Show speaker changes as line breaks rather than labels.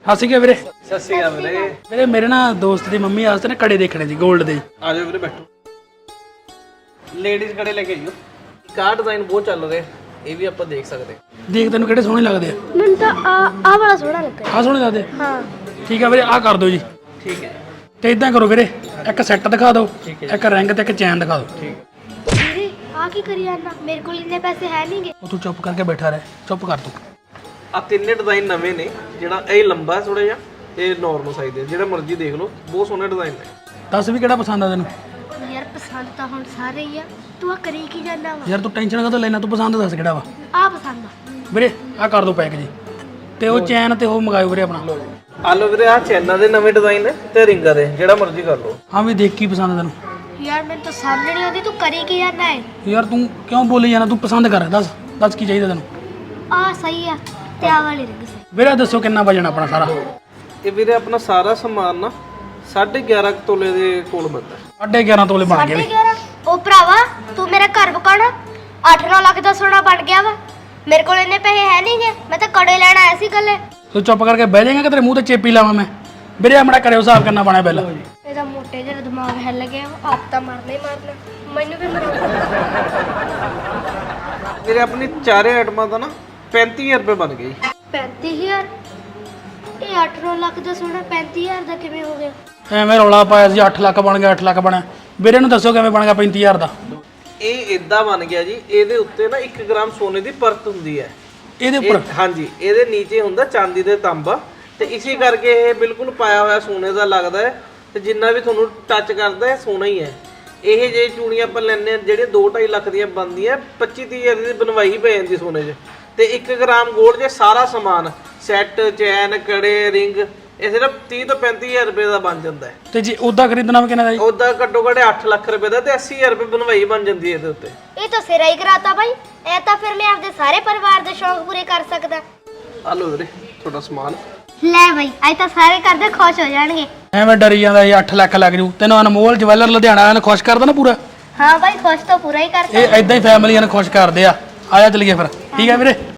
ਹੱਸ ਗਿਆ ਵੀਰੇ।
ਸਤਿ ਸ਼੍ਰੀ ਅਕਾਲ ਵੀਰੇ।
ਵੀਰੇ ਮੇਰੇ ਨਾ ਦੋਸਤ ਦੀ ਮੰਮੀ ਵਾਸਤੇ ਨਾ ਕੜੇ ਦੇਖਣੇ ਸੀ 골ਡ ਦੇ।
ਆ ਜਾਓ ਵੀਰੇ ਬੈਠੋ। ਲੇਡੀਜ਼ ਕੜੇ ਲੈ ਕੇ ਆਇਓ। ਕਾ ਡਿਜ਼ਾਈਨ ਬਹੁਤ ਚੱਲ ਰਿਹਾ, ਇਹ ਵੀ ਆਪਾਂ ਦੇਖ ਸਕਦੇ।
ਦੇਖ ਤੈਨੂੰ ਕਿਹੜੇ ਸੋਹਣੇ ਲੱਗਦੇ ਆ?
ਮੈਨੂੰ ਤਾਂ ਆ ਵਾਲਾ ਸੋਹਣਾ ਲੱਗਾ।
ਆਹ ਸੋਹਣੇ ਲੱਗਦੇ?
ਹਾਂ
ਠੀਕ ਆ ਵੀਰੇ, ਆਹ ਕਰ ਦਿਓ ਜੀ।
ਠੀਕ ਹੈ।
ਤੇ ਇਦਾਂ ਕਰੋ ਵੀਰੇ, ਇੱਕ ਸੈੱਟ ਦਿਖਾ ਦਿਓ, ਇੱਕ ਰਿੰਗ ਤੇ ਇੱਕ ਚੈਨ ਦਿਖਾ ਦਿਓ।
ਠੀਕ।
ਵੀਰੇ ਆ ਕੀ ਕਰੀ ਜਾਂਦਾ? ਮੇਰੇ ਕੋਲ ਇੰਨੇ ਪੈਸੇ ਹੈ ਨਹੀਂਗੇ।
ਉਹ ਤੂੰ ਚੁੱਪ ਕਰਕੇ ਬੈਠਾ ਰਹਿ, ਚੁੱਪ ਕਰ ਤੂੰ।
ਆ ਤਿੰਨੇ ਡਿਜ਼ਾਈਨ ਨਵੇਂ ਨੇ, ਜਿਹੜਾ ਇਹ ਲੰਬਾ ਥੋੜਾ ਜਿਹਾ, ਇਹ ਨਾਰਮਲ ਸਾਈਜ਼ ਦੇ, ਜਿਹੜਾ ਮਰਜ਼ੀ ਦੇਖ ਲਓ, ਬਹੁਤ ਸੋਹਣੇ ਡਿਜ਼ਾਈਨ ਨੇ।
ਦੱਸ ਵੀ ਕਿਹੜਾ ਪਸੰਦ ਆ ਤੈਨੂੰ?
ਯਾਰ ਪਸੰਦ ਤਾਂ ਹੁਣ ਸਾਰੇ ਹੀ ਆ, ਤੂੰ ਆ ਕਰੀ ਕੀ ਜਾਂਦਾ ਵਾ?
ਯਾਰ ਤੂੰ ਟੈਨਸ਼ਨ ਕਾਹਤੋਂ ਲੈਣਾ, ਤੂੰ ਪਸੰਦ ਦੱਸ ਕਿਹੜਾ ਵਾ
ਆ ਪਸੰਦ ਆ
ਵੀਰੇ। ਆਹ ਕਰ ਦਿਓ ਪੈਕ ਜੀ, ਤੇ ਉਹ ਚੈਨ ਤੇ ਉਹ ਮੰਗਾਇਓ ਵੀਰੇ ਆਪਣਾ।
ਆ ਲਓ ਵੀਰੇ, ਆ ਚੈਨਾਂ ਦੇ ਨਵੇਂ ਡਿਜ਼ਾਈਨ ਨੇ ਤੇ ਰਿੰਗਾਂ ਦੇ, ਜਿਹੜਾ ਮਰਜ਼ੀ ਕਰ ਲਓ।
ਹਾਂ ਵੀ ਦੇਖ ਕੀ ਪਸੰਦ ਆ ਤੈਨੂੰ?
ਯਾਰ ਮੈਨੂੰ ਤਾਂ ਸਮਝ ਨਹੀਂ ਆਉਂਦੀ ਤੂੰ ਕਰੀ ਕੀ ਜਾਂਦਾ ਹੈ?
ਯਾਰ ਤੂੰ ਕਿਉਂ ਬੋਲੀ ਜਾਣਾ? ਤੂੰ ਪਸੰਦ ਕਰ, ਦੱਸ ਕੀ ਚਾਹੀਦਾ ਤੈਨੂੰ?
ਆ ਸਹੀ ਆ ਤੇ ਆ ਵਾਲੀ ਰਿੰਗ ਸਹੀ।
ਵੀਰੇ ਦੱਸੋ ਕਿੰਨਾ ਵਜਣ ਆਪਣਾ ਸਾਰਾ?
ਇਹ ਵੀਰੇ ਆਪਣਾ ਸਾਰਾ ਸਮਾਨ ਨਾ 11.5 ਤੋਲੇ ਦੇ ਕੋਲ ਮਿਲਦਾ।
11.5 ਤੋਲੇ ਬਣ ਗਏ ਵੀ।
11.5? ਉਹ ਭਰਾਵਾ ਤੂੰ ਮੇਰਾ ਘਰ ਬਕਾਣਾ 8-9 ਲੱਖ ਦਾ ਸੋਨਾ ਬਣ ਗਿਆ ਵਾ। ਮੇਰੇ ਕੋਲ ਇੰਨੇ ਪੈਸੇ ਹੈ ਨਹੀਂਗੇ, ਮੈਂ ਤਾਂ ਕੜੇ ਲੈਣ ਆਇਆ ਸੀ ਕੱਲੇ।
ਤੂੰ ਚੁੱਪ ਕਰਕੇ ਬਹਿ ਜਾਏਗਾ ਕਿ ਤੇਰੇ ਮੂੰਹ ਤੇ ਚੇਪੀ ਲਾਵਾਂ ਮੈਂ? ਵੀਰੇ ਆਪਣਾ ਕਰਿਓ ਹਿਸਾਬ ਕਰਨਾ ਪਾਣਾ ਬਿੱਲ।
ਇਹਦਾ ਮੋਟੇ ਜਿਹਾ ਦਿਮਾਗ ਹਿੱਲ ਗਿਆ, ਆਪ ਤਾਂ ਮਰਨਾ ਹੀ ਮਰਨਾ, ਮੈਨੂੰ ਵੀ ਮਰਵਾ।
ਵੀਰੇ ਆਪਣੀ ਚਾਰੇ ਆਈਟਮਾਂ ਦਾ ਨਾ 35000 ਰੁਪਏ ਬਣ ਗਏ।
35000? ਇਹ 8-9 ਲੱਖ ਦਾ ਸੋਨਾ 35000 ਦਾ ਕਿਵੇਂ ਹੋ ਗਿਆ?
ਐਵੇਂ ਰੌਲਾ ਪਾਇਆ ਸੀ 8 ਲੱਖ ਬਣ ਗਿਆ, 8 ਲੱਖ ਬਣਿਆ। ਵੀਰੇ ਨੂੰ ਦੱਸੋ ਕਿਵੇਂ ਬਣ ਗਿਆ 35000 ਦਾ?
ਇਹ ਇਦਾਂ ਬਣ ਗਿਆ ਜੀ, ਇਹਦੇ ਉੱਤੇ ਨਾ 1 ਗ੍ਰਾਮ ਸੋਨੇ ਦੀ ਪਰਤ ਹੁੰਦੀ ਹੈ
ਇਹਦੇ ਉੱਪਰ।
ਹਾਂਜੀ, ਇਹਦੇ ਨੀਚੇ ਹੁੰਦਾ ਚਾਂਦੀ ਦੇ ਤਾਂਬਾ, ਤੇ ਇਸੇ ਕਰਕੇ ਇਹ ਬਿਲਕੁਲ ਪਾਇਆ ਹੋਇਆ ਸੋਨੇ ਦਾ ਲੱਗਦਾ ਹੈ, ਤੇ ਜਿੰਨਾ ਵੀ ਤੁਹਾਨੂੰ ਟੱਚ ਕਰਦਾ ਹੈ ਸੋਨਾ ਹੀ ਹੈ। ਇਹ ਜੇ ਚੂੜੀਆਂ ਆਪਾਂ ਲੈਂਦੇ ਹਾਂ ਜਿਹੜੀਆਂ 2-2.5 ਲੱਖ ਦੀਆਂ ਬਣਦੀਆਂ, 25-30 ਦੀ ਬਣਵਾਈ ਪੈ ਜਾਂਦੀ ਸੋਨੇ 'ਚ। ਤੇ 1 ਗ੍ਰਾਮ ਗੋਲਡ 'ਚ ਸਾਰਾ ਸਮਾਨ ਸੈੱਟ, ਚੈਨ, ਕੜੇ, ਰਿੰਗ, ਇਹ ਸਿਰਫ 30 ਤੋਂ 35000 ਰੁਪਏ ਦਾ ਬਣ ਜਾਂਦਾ ਹੈ।
ਤੇ ਜੇ ਉਹਦਾ ਖਰੀਦਣਾ ਵਾ ਕਿੰਨਾ ਦਾ ਜੀ?
ਉਹਦਾ ਘੱਟੋ ਘੱਟ 8 ਲੱਖ ਰੁਪਏ ਦਾ, ਤੇ 80000 ਰੁਪਏ ਬਣਵਾਈ ਬਣ ਜਾਂਦੀ ਹੈ ਇਹਦੇ ਉੱਤੇ।
ਇਹ ਤਾਂ ਸਿਰਾ ਹੀ ਕਰਾਤਾ ਬਾਈ। ਇਹ ਤਾਂ ਫਿਰ ਮੈਂ ਆਪਦੇ ਸਾਰੇ ਪਰਿਵਾਰ ਦੇ ਸ਼ੌਂਕ ਪੂਰੇ ਕਰ ਸਕਦਾ।
ਆ ਲਓ ਵੀਰੇ ਤੁਹਾਡਾ ਸਮਾਨ।
ਲੈ ਬਾਈ ਅੱਜ ਤਾਂ ਸਾਰੇ ਕਰਦੇ ਖੁਸ਼ ਹੋ ਜਾਣਗੇ।
ਐਵੇਂ ਡਰੀ ਜਾਂਦਾ ਇਹ 8 ਲੱਖ ਲੱਗ ਜੂ। ਤੈਨੂੰ ਅਨਮੋਲ ਜਵੈਲਰ ਲੁਧਿਆਣਾ ਇਹਨੂੰ ਖੁਸ਼ ਕਰਦਾ ਨਾ ਪੂਰਾ।
ਹਾਂ ਬਾਈ ਖੁਸ਼ ਤਾਂ ਪੂਰਾ ਹੀ ਕਰ
ਇਹ ਐਦਾਂ ਹੀ ਫੈਮਲੀਆਂ ਨੂੰ ਖੁਸ਼ ਕਰਦੇ ਆ। ਆਇਆ ਚਲੀਏ ਫਿਰ, ਠੀਕ ਹੈ ਵੀਰੇ।